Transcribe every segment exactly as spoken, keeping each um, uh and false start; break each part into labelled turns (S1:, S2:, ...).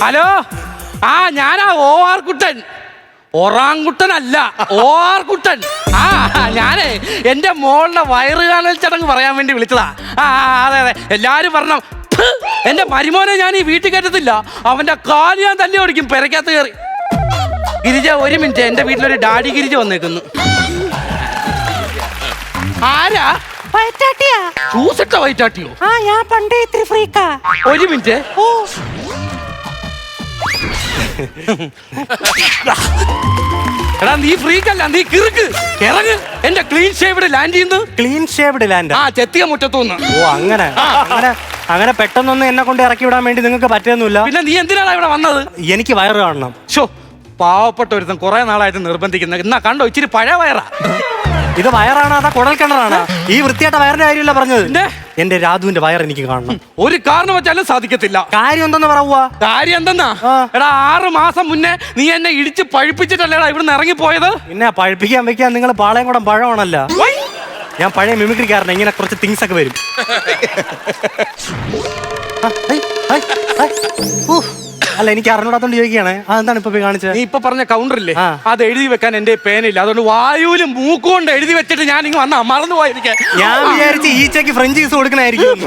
S1: Hello, ആ ഞാനാ ഓ R കുട്ടൻ. ഒറാങ്കുട്ടനല്ല, ഓ R കുട്ടൻ. ആ ഞാനേ എന്റെ മോളുടെ വയറ് കാണൽ ചടങ്ങ് പറയാൻ വേണ്ടി വിളിച്ചതാ. ആ അതെ അതെ, എല്ലാരും പറഞ്ഞ എന്റെ മരുമോനെ ഞാൻ ഈ വീട്ടിൽ കയറ്റത്തില്ല, അവന്റെ കാല് ഞാൻ തല്ലി ഓടിക്കും പെരക്കകത്ത് കയറി. ഗിരിജ ഒരു മിനിറ്റ്, എന്റെ വീട്ടിലൊരു ഡാഡി ഗിരിജ വന്നേക്കുന്നു. ആരാ?
S2: വയറ്റാട്ടിയാ?
S1: ചൂസിട്ട വയറ്റാട്ടിയോ?
S2: ആ ഞാൻ പണ്ടേ ഇത്തിരി ഫ്രീക്കാ.
S1: ഒരു മിനിറ്റ്.
S2: ഓ
S1: എടാ നീ ഫ്രീക്കല്ല, നീ കിറുക്ക്. ഇറങ്ങ്, എന്റെ ക്ലീൻ ഷേവ്ഡ് ലാൻഡ് ചെയ്യുന്നു.
S3: Clean shaved land?
S1: ആ ചെത്തിയ മുറ്റത്തുനിന്ന്.
S3: ഓ അങ്ങനെ അങ്ങനെ അങ്ങനെ പെട്ടെന്നൊന്നും എന്നെ കൊണ്ട് ഇറക്കി വിടാൻ വേണ്ടി നിങ്ങൾക്ക് പറ്റുന്നില്ല.
S1: പിന്നെ നീ എന്തിനാണ് ഇവിടെ വന്നത്?
S3: എനിക്ക് വയറ് കാണണം.
S1: ഷോ, പാവപ്പെട്ട ഒരുത്തൻ കുറെ നാളായിട്ട് നിർബന്ധിക്കുന്നത്. എന്നാ കണ്ടോ, ഇച്ചിരി പഴയ വയറാ.
S3: ഇത് വയറാണ് അതാ കുടൽ കിണറാണ്? ഈ വൃത്തിയായിട്ട വയറിന്റെ കാര്യമല്ല പറഞ്ഞത്. എന്റെ രാധുവിന്റെ വയർ എനിക്ക് കാണണം.
S1: ഒരു കാരണം വെച്ചാലും സാധിക്കത്തില്ല.
S3: കാര്യം എന്തെന്ന് പറയുക?
S1: കാര്യം എന്തെന്നാ? എടാ ആറ് മാസം മുന്നേ നീ എന്നെ ഇടിച്ച് പഴിപ്പിച്ചിട്ടല്ലേടാ ഇവിടുന്ന് ഇറങ്ങിപ്പോയത്.
S3: പിന്നെ പഴിപ്പിക്കാൻ വെക്കാൻ നിങ്ങൾ പാളയംകുടം പഴമാണല്ല. ഞാൻ പഴയ മിമിക്രിക്കാരനെ, ഇങ്ങനെ കുറച്ച് തിങ്സ് ഒക്കെ വരും. അല്ല എനിക്ക് അറിഞ്ഞൂടാത്തോണ്ട് ചോദിക്കുകയാണ്. അതെന്താണ് ഇപ്പൊ കാണിച്ചത്?
S1: നീ ഇപ്പൊ പറഞ്ഞ കൗണ്ടറില്ലേ, അത് എഴുതി വെക്കാൻ എന്റെ പേനില്ല. അതുകൊണ്ട് വായുവില് മൂക്കുകൊണ്ട് എഴുതി വെച്ചിട്ട് ഞാൻ ഇങ്ങ് വന്നാ മറന്നു പോയിരിക്കാൻ.
S3: ഞാൻ വിചാരിച്ച് ഈച്ചയ്ക്ക് ഫ്രഞ്ചീസ് കൊടുക്കണായിരിക്കും.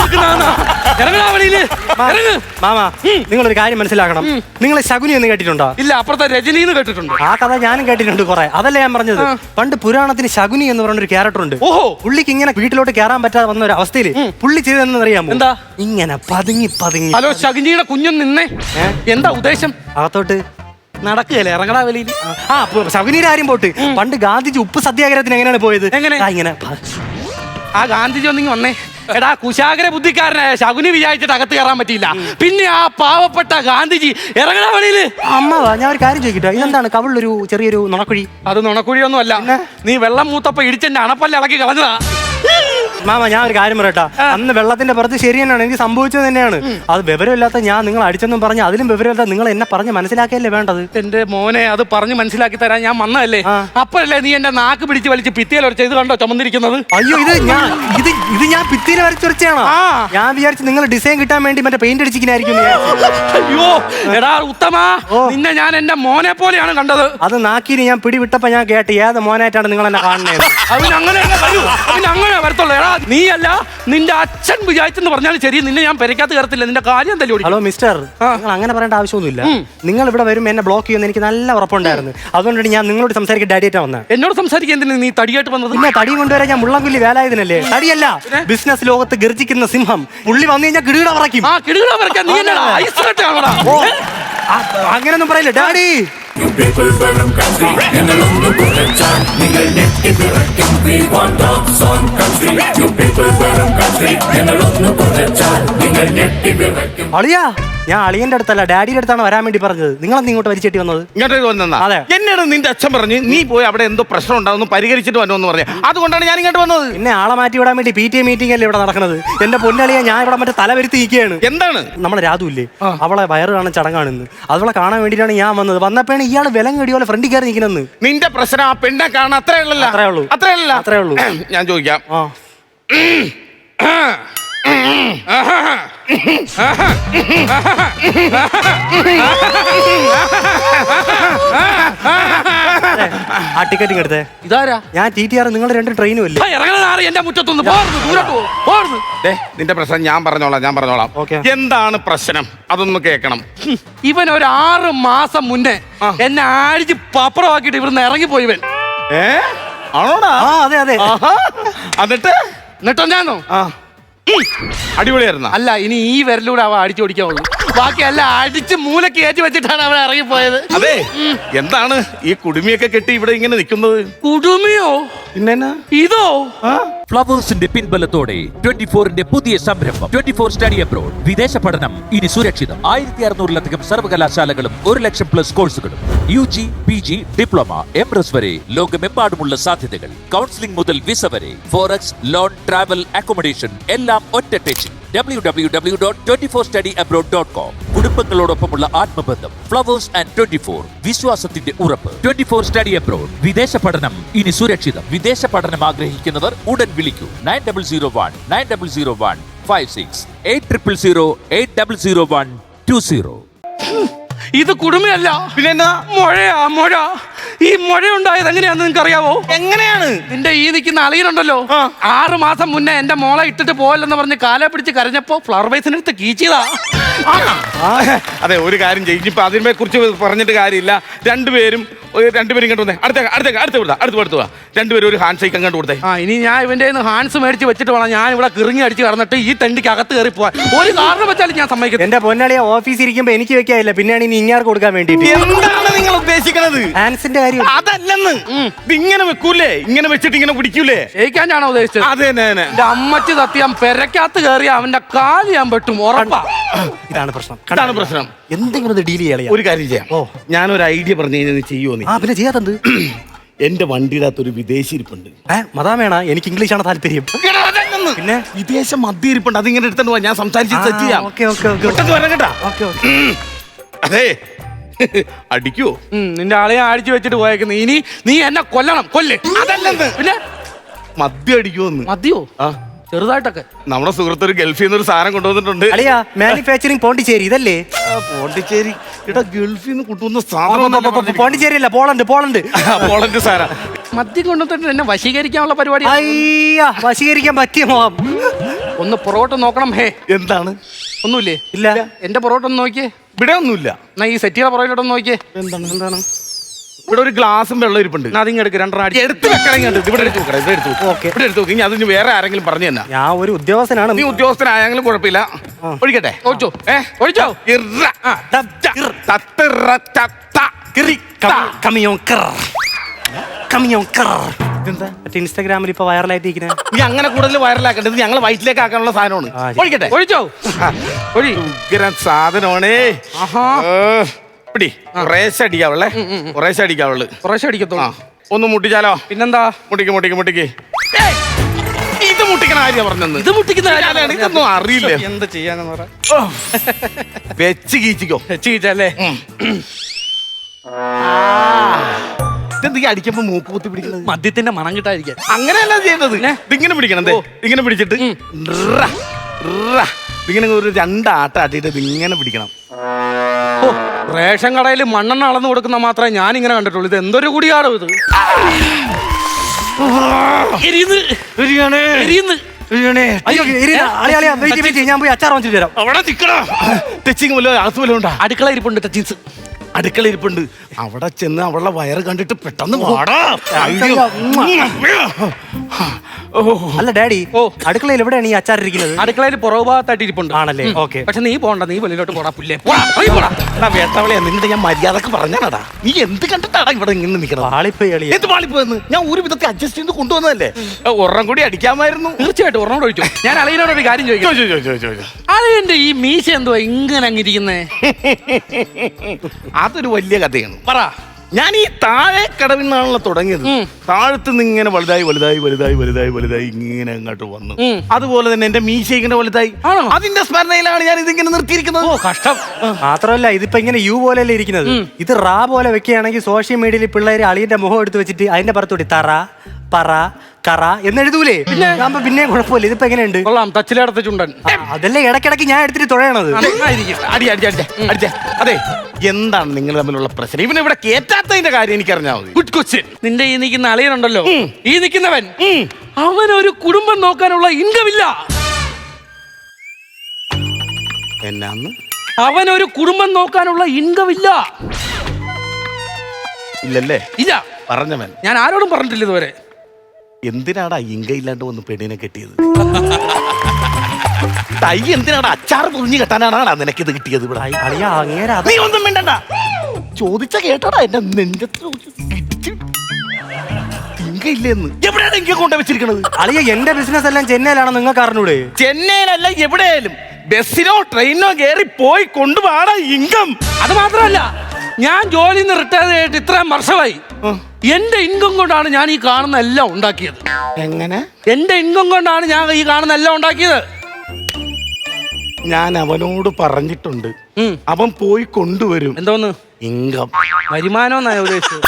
S3: മാമാ, നിങ്ങളൊരു കാര്യം മനസ്സിലാക്കണം. നിങ്ങൾ ശകുനി എന്ന് കേട്ടിട്ടുണ്ടോ?
S1: ഇല്ല, അപ്പുറത്തെ രജനി എന്ന് കേട്ടിട്ടുണ്ട്.
S3: ആ കഥ ഞാനും കേട്ടിട്ടുണ്ട് കുറെ. അതല്ല ഞാൻ പറഞ്ഞത്. പണ്ട് പുരാണത്തിന് ശകുനി എന്ന് പറഞ്ഞ ഒരു ക്യാരക്ടർ ഉണ്ട്.
S1: ഓഹോ,
S3: പുള്ളിക്ക് ഇങ്ങനെ വീട്ടിലോട്ട് കയറാൻ പറ്റാതെ വന്ന ഒരു അവസ്ഥയിൽ പുള്ളി ചെയ്തെന്ന് അറിയാമോ?
S1: എന്താ?
S3: ഇങ്ങനെ പതുങ്ങി പതുങ്ങി.
S1: ഹലോ, ശകുനിയുടെ കുഞ്ഞും നിന്നേ. എന്താ ഉദ്ദേശം?
S3: അകത്തോട്ട്
S1: നടക്കുകയല്ലേ, ഇറങ്ങടാ വെളിയിൽ.
S3: ആ ശകുനിയുടെ കാര്യം പോട്ട്. പണ്ട് ഗാന്ധിജി ഉപ്പ് സത്യാഗ്രഹത്തിന് എങ്ങനെയാണ് പോയത്?
S1: എങ്ങനെ?
S3: ഇങ്ങനെ.
S1: ആ ഗാന്ധിജി ഒന്നിങ്ങി വന്നേ. എടാ കുശാഗ്ര ബുദ്ധിക്കാരനായ ശകുനി വിചാരിച്ചിട്ട് അകത്ത് കയറാൻ പറ്റിയില്ല. പിന്നെ ആ പാവപ്പെട്ട ഗാന്ധിജി ഇറങ്ങടാ വെളിയില്.
S3: അമ്മവാ, ഞാൻ ഒരു കാര്യം ചോദിക്കട്ടെ, ഇതെന്താണ് കവിളിലൊരു ചെറിയൊരു നുണക്കുഴി?
S1: അത് നുണക്കുഴിയൊന്നും അല്ല, നീ വെള്ളം മൂത്തപ്പ ഇടിച്ചെന്റെ അണപ്പല്ല ഇളക്കി കളഞ്ഞതാ.
S3: മാമ ഞാൻ ഒരു കാര്യം പറയട്ടാ, അന്ന് വെള്ളത്തിന്റെ പുറത്ത് ശരി തന്നെയാണ്, എനിക്ക് സംഭവിച്ചത് തന്നെയാണ്. അത് വിവരമില്ലാത്ത ഞാൻ നിങ്ങൾ അടിച്ചെന്നും പറഞ്ഞ് അതിലും വിവരമില്ലാത്ത നിങ്ങൾ എന്നെ പറഞ്ഞ് മനസ്സിലാക്കിയല്ലേ വേണ്ടത്.
S1: എന്റെ മോനെ, അത് പറഞ്ഞ് മനസ്സിലാക്കി തരാൻ ഞാൻ വന്നതല്ലേ. അപ്പഴല്ലേ നീ എന്റെ നാക്ക് പിടിച്ച് വലിച്ച് ഭിത്തിയിൽ വരച്ച് ഇത് കണ്ടോ ചുമന്നിരിക്കുന്നത്?
S3: അയ്യോ, ഇത് ഞാൻ ഇത് ഇത് ഞാൻ ഭിത്തിയിൽ വരച്ചുരച്ചാണോ? ഞാൻ വിചാരിച്ചു നിങ്ങൾ ഡിസൈൻ കിട്ടാൻ വേണ്ടി മറ്റേ പെയിന്റ് അടിച്ചിരിക്കുന്നായിരിക്കും.
S1: അയ്യോ എടാ ഉത്തമ, നിന്നെ ഞാൻ എന്റെ മോനെ പോലെയാണ് കണ്ടത്.
S3: അത് നാക്കിന് ഞാൻ പിടിവിട്ടപ്പോ ഞാൻ കേട്ട് ഏത് മോനായിട്ടാണ് നിങ്ങൾ എന്നെ കാണുന്നത്.
S1: അവനങ്ങനെ അങ്ങനെ വരത്തുള്ളൂ. എടാ നീ അല്ല, നിന്റെ അച്ഛൻ വിചാരിച്ചെന്ന് പറഞ്ഞാലും ശരി, നിന്നെ ഞാൻ പെരക്കകത്ത് കയറത്തില്ല. നിന്റെ കാര്യം തല്ലി ഓടിക്കും.
S3: ഹലോ മിസ്റ്റർ, നിങ്ങൾ അങ്ങനെ പറയേണ്ട ആവശ്യമൊന്നുമില്ല. നിങ്ങൾ ഇവിടെ വരും എന്നെ ബ്ലോക്ക് ചെയ്യുമെന്ന് എനിക്ക് നല്ല ഉറപ്പുണ്ടായിരുന്നു. അതുകൊണ്ടാണ് ഞാൻ നിങ്ങളോട് സംസാരിക്കാൻ ഡാഡിയായിട്ടാ വന്നത്.
S1: എന്നോട് സംസാരിക്കാൻ എന്തിനാ നീ തടിയായിട്ട് വന്നത്?
S3: പിന്നെ തടി കൊണ്ടുവരാൻ ഞാൻ മുള്ളംകുല്ലി വേലായതിനല്ലേ. തടിയല്ല, ബിസിനസ് ലോകത്ത് ഗർജിക്കുന്ന സിംഹം. പുള്ളി വന്നു കഴിഞ്ഞാൽ കിടുകിട പറയ്ക്കും.
S1: ആ കിടുകിട പറയ്ക്കാൻ നീ എന്നടാ ഐസ് കട്ടാണോടാ?
S3: അങ്ങനൊന്നും പറയില്ല ഡാഡി. അളിയാ, ഞാൻ അളിയന്റെ അടുത്തല്ല ഡാഡിയുടെ അടുത്താണ് വരാൻ വേണ്ടി പറഞ്ഞത്. നിങ്ങളെന്ത് ഇങ്ങോട്ട് വലിച്ചെട്ടി വന്നത്?
S4: ഇങ്ങോട്ട് വന്നാ?
S3: അതെ.
S4: എന്നോട് നിന്റെ അച്ഛൻ പറഞ്ഞു നീ പോയി അവിടെ എന്തോ പ്രശ്നം ഉണ്ടാവുന്നു പരിഹരിച്ചിട്ട് വന്നോന്ന് പറഞ്ഞു. അതുകൊണ്ടാണ് ഞാൻ ഇങ്ങോട്ട് വന്നത്.
S3: പിന്നെ ആളെ മാറ്റി വിടാൻ വേണ്ടി പി ടി എ മീറ്റിംഗ് അല്ലേ ഇവിടെ നടക്കുന്നത്. എന്റെ പൊന്നളിയാ, ഞാൻ ഇവിടെ മറ്റേ തല വരുത്തി നിൽക്കുകയാണ്.
S4: എന്താണ്?
S3: നമ്മളെ രാധു ഇല്ലേ, അവളെ വയറ് കാണാൻ ചടങ്ങാണെന്ന്. അവളെ കാണാൻ വേണ്ടിയിട്ടാണ് ഞാൻ വന്നത്. വന്നപ്പോഴാണ് ഇയാൾ വിലം കെടിയോ ഫ്രണ്ടിൽ കയറി നിൽക്കുന്നത്.
S4: നിന്റെ പ്രശ്നം ആ പെണ്ണെ കാണാൻ അത്രേ ഉള്ളൂ.
S3: അത്രേ ഉള്ളൂ
S4: അത്രേ ഉള്ളൂ
S3: അത്രേ ഉള്ളൂ
S4: ഞാൻ ചോദിക്കാം.
S3: ആ ടിക്കറ്റ് എടുത്തേ.
S1: ഇതാരാ?
S3: ഞാൻ ടി ടി ആർ. നിങ്ങൾ രണ്ട് ട്രെയിനും ഇല്ലേ?
S1: എന്റെ മുറ്റത്തൊന്ന്
S4: നിന്റെ പ്രശ്നം ഞാൻ പറഞ്ഞോളാം ഞാൻ പറഞ്ഞോളാം എന്താണ് പ്രശ്നം അതൊന്ന് കേൾക്കണം.
S1: ഇവൻ ഒരു ആറ് മാസം മുന്നേ എന്നെ ആഴ്ച പപ്പറമാക്കിട്ട് ഇവിടുന്ന് ഇറങ്ങിപ്പോയി. ഇവൻ
S4: ഏ ആണോടാ?
S3: അതെ അതെ.
S4: എന്നിട്ട്
S1: എന്നിട്ടോ ഞാനോ?
S4: അടിപൊളിയായിരുന്ന?
S1: അല്ല, ഇനി ഈ വിരലൂടെ അവ അടിച്ചു ഓടിക്കാവുള്ളൂ. ബാക്കി അല്ല അടിച്ച് മൂലക്ക് കയറ്റി വെച്ചിട്ടാണ് അവൻ ഇറങ്ങിപ്പോയത്.
S4: അതെ, എന്താണ് ഈ കുടുമിയൊക്കെ കെട്ടി ഇവിടെ ഇങ്ങനെ നിൽക്കുന്നത്?
S1: കുടുമിയോ?
S4: പിന്നെ
S1: ഇതോ?
S5: ഫ്ലവേഴ്സിന്റെ പിൻബലത്തോടെ ട്വന്റി ഫോറിന്റെ പുതിയ സംരംഭം ട്വന്റി ഫോർ സ്റ്റഡി അബ്രോഡ്. വിദേശ പഠനം ഇനി സുരക്ഷിതം. ആയിരത്തി അറുന്നൂറിലധികം സർവകലാശാലകളും ഒരു ലക്ഷം പ്ലസ് കോഴ്സുകളും U G P G diploma M S വരെ ലോകമെമ്പാടുമുള്ള സാധ്യതകൾ. കൗൺസിലിംഗ് മുതൽ വിസ വരെ, ഫോറക്സ്, ലോൺ, ട്രാവൽ, അക്കോമഡേഷൻ എല്ലാം ഒറ്റ ടെച്ചിൽ. W W W dot twenty four study abroad dot com. കുടുംബങ്ങളോടൊപ്പമുള്ള ആത്മബന്ധം. ഫ്ലവേഴ്സ് ആൻഡ് ട്വന്റി ഫോർ, വിശ്വാസത്തിന്റെ ഉറപ്പ്. Twenty four study abroad. വിദേശ പഠനം ഇനി സുരക്ഷിതം. വിദേശ പഠനം ആഗ്രഹിക്കുന്നവർ ഉടൻ വിളിക്കൂ. Nine double zero one nine double zero one five six eight triple zero eight double zero one two zero.
S1: ഇത് കുടുമയല്ല,
S4: പിന്നെ എന്നാ?
S1: മുഴയാ മുഴ. ഈ മുഴ ഉണ്ടായത് എങ്ങനെയാന്ന് നിങ്ങൾക്ക് അറിയാവോ?
S4: എങ്ങനെയാണ്?
S1: നിന്റെ ഈ നിൽക്കുന്ന അളിയനുണ്ടല്ലോ, ആറ് മാസം മുന്നേ എന്റെ മോളെ ഇട്ടിട്ട് പോയല്ലെന്ന് പറഞ്ഞ് കാലെ പിടിച്ച് കരഞ്ഞപ്പോ ഫ്ലവർ ബേസിനടുത്ത് കീച്ചിയതാ.
S4: അതെ, ഒരു കാര്യം ചെയ്യും, ഇപ്പൊ അതിനെ കുറിച്ച് പറഞ്ഞിട്ട് കാര്യമില്ല. രണ്ടുപേരും രണ്ടുപേരും ഇങ്ങോട്ട് വന്നേ. അടുത്ത അടുത്ത അടുത്ത് വിടാ അടുത്ത് അടുത്ത് വാ. രണ്ടുപേരും ഒരു ഹാൻഡ് ഷേക്ക് അങ്ങോട്ട് കൊടുത്തേ.
S1: ആ, ഇനി ഞാൻ ഇവന്റെ ഹാൻഡ്സ് മേടിച്ച് വെച്ചിട്ട് വേണം ഞാൻ ഇവിടെ കിറങ്ങി അടിച്ച് കടന്നിട്ട് ഈ തെണ്ടിക്ക് അകത്ത് കയറി പോവാൻ. ഒരു കാരണം വെച്ചാലും ഞാൻ സമ്മതിക്കും.
S3: എന്റെ പൊന്നാളിയെ ഓഫീസിൽ ഇരിക്കുമ്പോ എനിക്ക് വെക്കാനില്ല, പിന്നെയാണ് ഇനി ഇങ്ങാർക്ക് കൊടുക്കാൻ വേണ്ടിട്ട്.
S4: എന്താണ് നിങ്ങൾ ഉദ്ദേശിക്കുന്നത്?
S3: ഹാൻസിന്റെ കാര്യം
S4: അതല്ലെന്ന്. ഇത് ഇങ്ങനെ വെക്കൂലേ? ഇങ്ങനെ വെച്ചിട്ട് ഇങ്ങനെ പിടിക്കൂലേ?
S1: ജയിക്കാനാണോ ഉദ്ദേശിച്ചത്?
S4: അതെ തന്നെ.
S1: എന്റെ അമ്മച്ചി സത്യം പെരക്കകത്ത് കയറി അവന്റെ കാല് ഞാൻ പെട്ടും ഉറപ്പാ.
S3: ഇതാണ് പ്രശ്നം.
S4: ഇതാണ് പ്രശ്നം.
S3: എന്തെങ്കിലും ഡീൽ ചെയ്യാളിയാ.
S4: ഒരു കാര്യം ചെയ്യാം. ഓ, ഞാനൊരു ഐഡിയ പറഞ്ഞു കഴിഞ്ഞാൽ നീ ചെയ്യുമോ? നീ
S3: ആ പിന്നെ ചെയ്യാത്തത്.
S4: എന്റെ വണ്ടിയുടെ അകത്ത് ഒരു വിദേശി ഇരിപ്പുണ്ട്.
S3: ഏഹ് മതാമേണ, എനിക്ക് ഇംഗ്ലീഷാണ് താല്പര്യം.
S4: പിന്നെ വിദേശ മദ്യ ഇരിപ്പുണ്ട്, അതിങ്ങനെ എടുത്തോണ്ട് പോവാ. ഞാൻ സംസാരിച്ച് സെറ്റ് ചെയ്യാം.
S3: ഓക്കെ ഓക്കെ ഓക്കെ
S4: പെട്ടെന്ന് വരാം കേട്ടാ.
S3: Okay okay.
S4: അതെ, അടിക്കോ?
S1: ഉം, നിന്റെ ആളെയെ അടിച്ചു വെച്ചിട്ട് പോയേക്കുന്നു. ഇനി നീ എന്നെ കൊല്ലണം, കൊല്ല്.
S4: അതല്ലെന്ന്.
S1: പിന്നെ
S4: മദ്യം അടിക്കുമെന്ന്.
S1: മതിയോ?
S4: ആ,
S1: ചെറുതായിട്ടൊക്കെ.
S4: നമ്മുടെ സുഹൃത്ത് ഒരു ഗൾഫിൽ നിന്ന് ഒരു സാധനം കൊണ്ടുവന്നിട്ടുണ്ട്.
S3: അളിയാ, മാനുഫാക്ചറിങ് പോണ്ടിച്ചേരി ഇതല്ലേ?
S4: ആ, പോണ്ടിച്ചേരി. ഇവിടെ ഗൾഫിൽ നിന്ന് കൊണ്ടുവന്ന സാധനം.
S3: പോണ്ടിച്ചേരി അല്ല, പോളണ്ട് പോളണ്ട്
S4: പോളണ്ട് സാധനം.
S1: മദ്യം കൊണ്ടുവന്നിട്ട് എന്നെ വശീകരിക്കാനുള്ള പരിപാടി.
S3: അയ്യാ, വശീകരിക്കാൻ പറ്റിയ മോഹം.
S1: ഒന്ന് പുറകോട്ട് നോക്കണം. ഹേ,
S4: എന്താണ്?
S1: ഒന്നുമില്ലേ?
S3: ഇല്ല.
S1: എന്റെ പുറകോട്ട് ഒന്ന് നോക്കിയേ.
S4: ഇവിടെ ഒന്നുമില്ല.
S1: എന്നാ ഈ സെറ്റിയുടെ പുറകിലോട്ടൊന്ന് നോക്കിയേ.
S4: എന്താണ്? എന്താണ്? ഇവിടെ ഒരു ഗ്ലാസും വെള്ളം ഇരിപ്പുണ്ട്.
S1: എന്നാ അതിങ്ങ് എടുക്ക്, രണ്ടെണ്ണം അടി.
S4: എടുത്ത് വെക്കണമെങ്കിൽ ഇവിടെ എടുത്ത് വെക്കണം. ഇവിടെ എടുത്ത് വെക്കും.
S3: ഓക്കെ.
S4: ഇവിടെ എടുത്ത് വെക്കും. ഇനി അതിന് വേറെ ആരെങ്കിലും പറഞ്ഞു തന്നെ.
S3: ഞാൻ ഒരു ഉദ്യോഗസ്ഥനാണ്.
S4: നീ ഉദ്യോഗസ്ഥനായെങ്കിലും കുഴപ്പമില്ല. ഒഴിക്കട്ടെ?
S1: ഒഴിച്ചോ.
S4: ഏ,
S1: ഒഴിച്ചോ.
S4: ഇറ. ആ, തത്ത, തത്തിറ, തത്ത, കിറി, ത.
S3: കമിയോൻ കർ കമിയോൻ കർ.
S4: ഇതെന്താ?
S3: മറ്റേ ഇൻസ്റ്റാഗ്രാമിൽ ഇപ്പൊ വൈറലായിട്ട് ഇരിക്കുന്നത്.
S4: നീ അങ്ങനെ കൂടുതൽ വൈറലാക്കേണ്ടത് ഞങ്ങൾ വയറ്റിലേക്ക് ആക്കാനുള്ള സാധനമാണ്.
S3: ആ, ശരി.
S4: ഒഴിക്കട്ടെ?
S1: ഒഴിച്ചോ. ഒഴി.
S4: ഉഗ്രൻ സാധനമാണേ.
S1: ആഹാ.
S4: പിടി. കുറേശ്ശെ അടിക്കാവുള്ളേ. കുറേശ്ശെ അടിക്കാവുള്ളു.
S1: കുറേശ്ശെ
S4: ആ,
S1: അടിക്കത്തോളൂ.
S4: ഒന്ന് മുട്ടിച്ചാലോ?
S1: പിന്നെന്താ?
S4: മുട്ടിക്ക് മുട്ടിക്ക് മുട്ടിക്ക്. ഏയ്, ഇത് മുട്ടിക്കണ ആര്യ പറഞ്ഞത്?
S1: ഇത് മുട്ടിക്കുന്ന
S4: അതാണ്. ഇതൊന്നും അറിയില്ല.
S1: എന്ത് ചെയ്യാനെന്ന് പറ.
S4: ഓ, വെച്ച് കീച്ചിക്കോ.
S1: ചീച്ചല്ലേ?
S4: ഇതെന്തൊക്കെ അടിക്കുമ്പോ മൂക്ക് കുത്തി പിടിക്കണത്?
S1: മദ്യത്തിന്റെ മണം കിട്ടാതിരിക്കാൻ.
S4: അങ്ങനെയല്ല ചെയ്യുന്നത്. ഇതിങ്ങനെ പിടിക്കണം. ദേ, ഇങ്ങനെ പിടിച്ചിട്ട് റ, റ. ഇതിങ്ങനെ ഒരു രണ്ടാട്ട ആട്ടിട്ട് ഇതിങ്ങനെ പിടിക്കണം.
S1: ഓ, റേഷൻ കടയിൽ മണ്ണെണ്ണ അളന്ന് കൊടുക്കുന്ന മാത്രമേ ഞാൻ ഇങ്ങനെ കണ്ടിട്ടുള്ളൂ. ഇത് എന്തൊരു കുടിയാടോ ഇത്. എരിയുന്ന്. എരിയുന്ന്.
S3: അയ്യോ, ഇരിടാ. അളിയാ, അളിയാ, വെയിറ്റ് വെയിറ്റ്, ഞാൻ പോയി അച്ചാർ വാങ്ങിച്ചിട്ട് വരാം.
S4: അവിടെ നിക്കണോ? തെച്ചിങ് വല്ലോ അകത്ത് വല്ലോ ഉണ്ടാ?
S1: അടുക്കള ഇരിപ്പുണ്ട് ടച്ചിൻസ്.
S4: അടുക്കള ഇരിപ്പുണ്ട്. അവിടെ ചെന്ന് അവളുടെ വയറ് കണ്ടിട്ട് പെട്ടെന്ന് വാടാ.
S3: അല്ല ഡാഡി,
S1: ഓ,
S3: അടുക്കളയിൽ എവിടെയാണ് ഈ അച്ചാർ ഇരിക്കുന്നത്?
S1: അടുക്കളയിൽ പുറകു ഭാഗത്തായിട്ട് ഇരിപ്പുണ്ട്.
S3: ആണല്ലേ? ഓക്കെ.
S1: പക്ഷെ നീ പോണ്ട, നീ വെളിയിലോട്ട് പോടാ. പുല്ലേ പോടാ, പോയി പോടാ.
S4: വേട്ടവളെ, നിന്നിട്ട് ഞാൻ മര്യാദക്ക് പറഞ്ഞാടാ. നീ എന്ത് കണ്ടിട്ടാടാ ഇവിടെ ഇങ്ങനെ നിൽക്കണം?
S3: പാളിപ്പോയി അളിയാ.
S4: എന്ത് പാളിപ്പോയെന്ന്? ഞാൻ ഒരു വിധത്തിൽ അഡ്ജസ്റ്റ് ചെയ്ത് കൊണ്ടുവന്നതല്ലേ. ഒരെണ്ണം കൂടി അടിക്കാമായിരുന്നു.
S1: തീർച്ചയായിട്ടും ഒരെണ്ണം ഒഴിച്ചു. ഞാൻ അളിയനോട് ഒരു കാര്യം ചോദിക്കാം.
S4: ചോ, ചോ, ചോ, ചോ, ചോ.
S1: അളിയന്റെ ഈ മീശ എന്തുവാ ഇങ്ങനെ അങ്ങിരിക്കുന്നേ?
S4: അതൊരു വലിയ കഥയാണ്.
S1: പറ.
S4: ഞാൻ ഈ താഴെ കടവിൽ നിന്നാണല്ലോ തുടങ്ങിയത്. താഴത്ത് നിന്ന് ഇങ്ങനെ വലുതായി വലുതായി വലുതായി വലുതായി വലുതായി ഇങ്ങനെ അങ്ങോട്ട് വന്നു. അതുപോലെ തന്നെ എന്റെ മീശ ഇങ്ങനെ വലുതായി. അതിന്റെ സ്മരണയിലാണ് ഞാൻ ഇതിങ്ങനെ നിർത്തിയിരിക്കുന്നത്.
S1: ഓ, കഷ്ടം.
S3: മാത്രമല്ല ഇതിപ്പോ ഇങ്ങനെ യു പോലെയല്ലേ ഇരിക്കുന്നത്. ഇത് റാ പോലെ വെക്കുകയാണെങ്കിൽ സോഷ്യൽ മീഡിയയിൽ പിള്ളേര് അളിയന്റെ മുഖം എടുത്ത് വെച്ചിട്ട് അതിന്റെ പുറത്തൂടി തറ പറ കറ എന്നെഴുതൂലേ? പിന്നെ പിന്നെ കുഴപ്പമില്ല. ഇതിപ്പോ എങ്ങനെയുണ്ട്?
S1: കൊള്ളാം, തച്ചിലടത്ത ചുണ്ടൻ.
S3: അതല്ലേ ഇടയ്ക്കിടയ്ക്ക് ഞാൻ എടുത്തിട്ട് തുഴയണത്.
S1: നന്നായിരിക്കും.
S4: അടി അടി അടിച്ചേ അടിച്ചേ. അതെ, എന്താണ് നിങ്ങൾ തമ്മിലുള്ള പ്രശ്നം? ഇവനെ ഇവിടെ കേറ്റാത്തതിന്റെ കാര്യം എനിക്കറിഞ്ഞാൽ മതി.
S1: Good question. നിന്റെ ഈ നിൽക്കുന്ന അളിയനുണ്ടല്ലോ, ഈ നിൽക്കുന്നവൻ, അവനൊരു കുടുംബം നോക്കാനുള്ള ഇൻകം ഇല്ല.
S4: എന്നാന്ന്?
S1: അവനൊരു കുടുംബം നോക്കാനുള്ള ഇൻകം ഇല്ല.
S4: ഇല്ലല്ലേ?
S1: ഇല്ല.
S4: പറഞ്ഞവൻ.
S1: ഞാൻ ആരോടും പറഞ്ഞിട്ടില്ല ഇതുവരെ.
S4: എന്തിനാടാ ഇങ്ക ഇല്ലാണ്ട് വന്ന് പെണ്ണിനെ കെട്ടിയത്? തൈ എന്തിനാടാ അച്ചാർ പൊതിഞ്ഞ് കെട്ടാനാണ് നിനക്കിത് കിട്ടിയത്? ഇവിടെ
S3: അളിയാ, അങ്ങേരാ
S4: നീ ഒന്നും വേണ്ടണ്ട. ചോദിച്ച കേട്ടടാ എന്റെ നെഞ്ചത്ത് ഇങ്ക ഇല്ലെന്ന്. എവിടെയാണ് ഇങ്ക കൊണ്ട വെച്ചിരിക്കണത്?
S3: അളിയ, എന്റെ ബിസിനസ് എല്ലാം ചെന്നൈയിലാണ്, നിങ്ങൾക്ക് അറിഞ്ഞൂടെ?
S4: ചെന്നൈയിലല്ല, എവിടെയായാലും ബസ്സിനോ ട്രെയിനോ കയറി പോയി കൊണ്ടുപോടാ ഇൻകം.
S1: അത് മാത്രമല്ല, ഞാൻ ജോലിയിൽ നിന്ന് റിട്ടയർ ചെയ്തിട്ട് ഇത്രയും വർഷമായി. എന്റെ ഇൻകം കൊണ്ടാണ് ഞാൻ ഈ കാണുന്ന എല്ലാം ഉണ്ടാക്കിയത്.
S4: എങ്ങനെ?
S1: എന്റെ ഇൻകം കൊണ്ടാണ് ഞാൻ ഈ കാണുന്ന എല്ലാം ഉണ്ടാക്കിയത്.
S4: ഞാൻ അവനോട് പറഞ്ഞിട്ടുണ്ട്, അവൻ പോയി കൊണ്ടുവരും.
S1: എന്തോന്ന്?
S4: ഇൻകം.
S1: വരുമാനം എന്നാ ഉദ്ദേശിച്ചത്.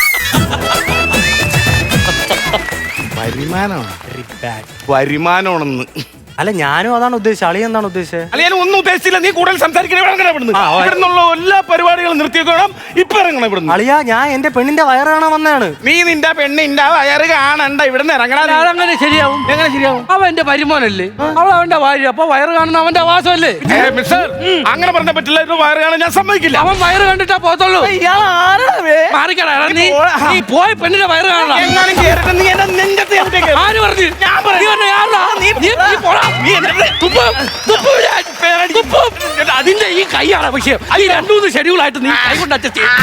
S4: വരുമാനമാണ്. വരുമാനമാണെന്ന്
S3: അല്ല ഞാനും അതാണ് ഉദ്ദേശിച്ചത്. അളിയ എന്താണ് ഉദ്ദേശിച്ചത്?
S4: അല്ല ഞാൻ ഒന്നും ഉദ്ദേശിച്ചില്ല. നീ കൂടുതൽ സംസാരിക്കണേ ഇവിടുന്ന്.
S3: ആ, ഓ.
S4: ഇവിടെ നിന്നുള്ള എല്ലാ പരിപാടികളും നിർത്തിയേക്കണം. ഇപ്പൊ ഇറങ്ങണം ഇവിടുന്ന്.
S3: അളിയ ഞാൻ എന്റെ പെണ്ണിന്റെ വയറ് കാണാൻ വന്നതാണ്.
S4: നീ നിന്റെ പെണ്ണിന്റെ വയറ് കാണണ്ട, ഇവിടുന്ന് ഇറങ്ങണം.
S1: അതങ്ങനെ ശരിയാവും.
S4: എങ്ങനെ ശരിയാവും?
S1: അവൻ എന്റെ പരിമോനല്ലേ, അവൾ അവന്റെ ഭാര്യ, അപ്പൊ വയറ് കാണുന്ന അവന്റെ ആവാസമല്ലേ.
S4: ഏ, മിസ്റ്റർ, അങ്ങനെ പറഞ്ഞ പറ്റില്ല. ഇത് വയറ് കാണാൻ ഞാൻ സമ്മതിക്കില്ല.
S1: അവൻ വയറ് കണ്ടിട്ടാ പോത്തുള്ളൂ. മാറിക്കടാ നീ. നീ പോയി പെണ്ണിന്റെ വയറ് കാണണം.
S4: എങ്ങാനും കേറിട്ട് നീ എന്നെ നെഞ്ചത്ത് ചവിട്ടിയേക്ക്.
S1: ആര് പറഞ്ഞു?
S4: ഞാൻ പറഞ്ഞു.
S1: നീ പറഞ്ഞ ആരാ? നീ- നീ- നീ പോടാ.
S4: നീ എന്നെ
S1: തുപ്പ്, തുപ്പ് ഞാൻ. തുപ്പ്. അതിന്റെ ഈ കൈയാണ് വിഷയം. ഈ രണ്ടു മൂന്ന് ഷെഡ്യൂളായിട്ട് നീ കൈ കൊണ്ട് അഡ്ജസ്റ്റ് ചെയ്യും.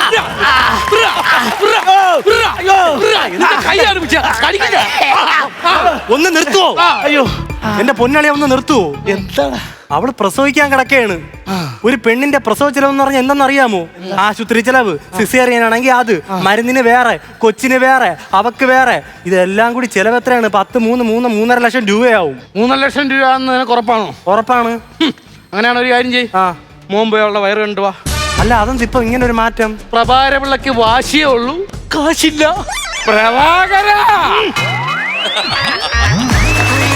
S1: കൈയാണ് വിഷയം. കടിക്കില്ല.
S3: ഒന്ന് നിർത്തുവോ?
S1: അയ്യോ
S3: എന്റെ പൊന്നളിയെ ഒന്ന് നിർത്തുവോ?
S4: എന്താണ്?
S3: അവള് പ്രസവിക്കാൻ കിടക്കുകയാണ്. ഒരു പെണ്ണിന്റെ പ്രസവ ചെലവ് എന്ന് പറഞ്ഞാൽ എന്തെന്നറിയാമോ? ആശുപത്രി ചെലവ്, സിസേറിയൻ ആണെങ്കിൽ അത്, മരുന്നിന് വേറെ, കൊച്ചിന് വേറെ, അവക്ക് വേറെ, ഇതെല്ലാം കൂടി ചെലവ് എത്രയാണ്? പത്ത് മൂന്ന് മൂന്ന് മൂന്നര ലക്ഷം രൂപയാവും.
S1: മൂന്നര ലക്ഷം രൂപ നിനക്ക് ഉറപ്പാണോ?
S3: ഉറപ്പാണ്.
S1: അങ്ങനെയാണ് ഒരു കാര്യം ചെയ്യും.
S3: ആ
S1: മോൻ അവളുടെ വയറ് കണ്ടുവാ.
S3: അല്ല അതെന്ത് ഇപ്പൊ ഇങ്ങനെ ഒരു മാറ്റം?
S1: പ്രഭാരപിള്ളക്ക് വാശിയേ ഉള്ളൂ, കാശില്ല. പ്രഭാകര